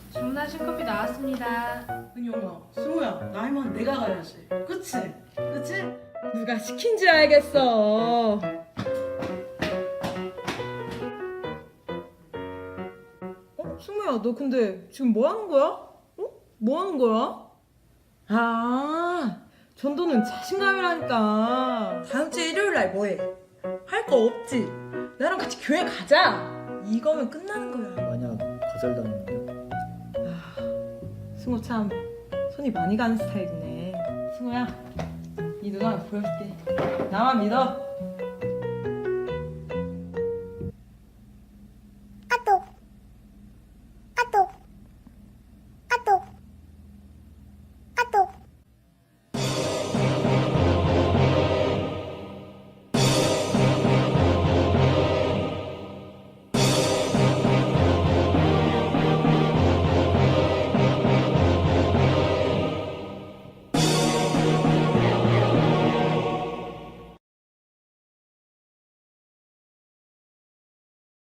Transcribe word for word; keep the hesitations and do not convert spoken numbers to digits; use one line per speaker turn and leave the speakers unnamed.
주문하신 커피 나왔습니다.
은영아, 승우야, 나이만 내가 가야지. 그치? 그치?
누가 시킨지 알겠어. 어? 승우야, 너 근데 지금 뭐 하는 거야? 어? 뭐 하는 거야? 아, 전도는 자신감이라니까. 다음 주 일요일 날 뭐해? 할 거 없지? 나랑 같이 교회 가자. 이거면 끝나는 거야.
만약 거절당하면
승우 참 손이 많이 가는 스타일이네. 승우야, 이 누나 보여줄게. 나만 믿어.